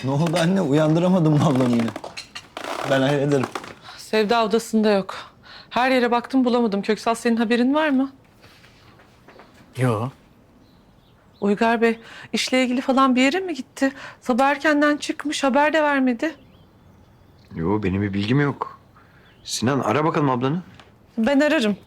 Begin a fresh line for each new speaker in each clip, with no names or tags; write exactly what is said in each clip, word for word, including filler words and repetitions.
Ne oldu anne? Uyandıramadım mı ablamı yine? Ben hallederim.
Sevda odasında yok. Her yere baktım bulamadım. Köksal senin haberin var mı?
Yo.
Uygar Bey işle ilgili falan bir yere mi gitti? Sabah erkenden çıkmış, haber de vermedi.
Yo, benim bir bilgim yok. Sinan, ara bakalım ablanı.
Ben ararım.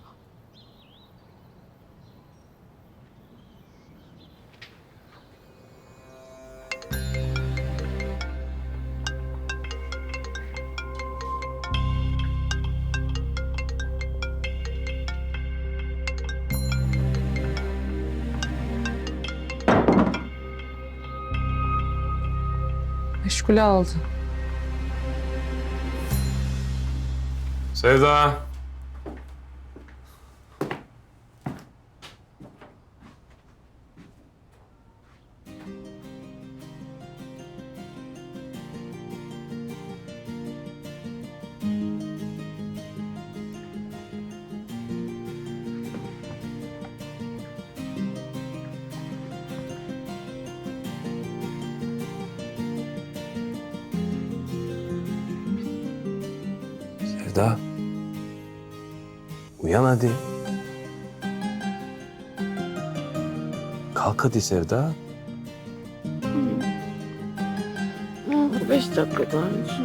Meşgule aldı.
Sevda.
Sevda. Uyan hadi. Kalk hadi Sevda.
Beş dakika daha.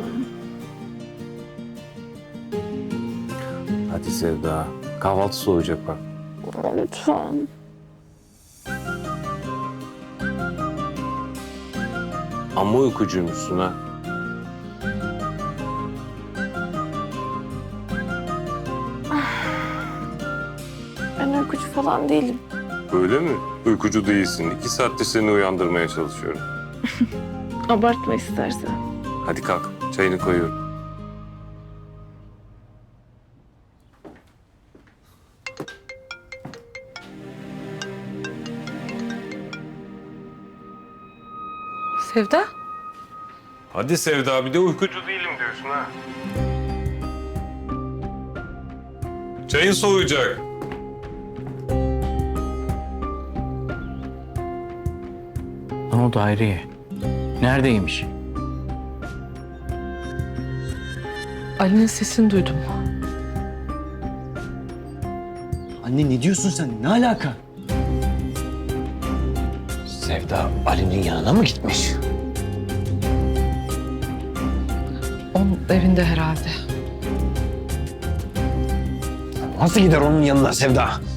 Hadi Sevda. Kahvaltı soğuyacak bak.
Lütfen.
Amma uykucuymuşsun ha.
Ben uykucu falan değilim.
Öyle mi? Uykucu değilsin. İki saattir seni uyandırmaya çalışıyorum.
Abartma istersen.
Hadi kalk. Çayını koyuyorum.
Sevda?
Hadi Sevda, bir de uykucu değilim diyorsun ha. Çayın soğuyacak.
Ne oldu Hayriye? Neredeymiş?
Ali'nin sesini duydum.
Anne ne diyorsun sen? Ne alaka?
Sevda Ali'nin yanına mı gitmiş?
Onun evinde herhalde.
Nasıl gider onun yanına Sevda?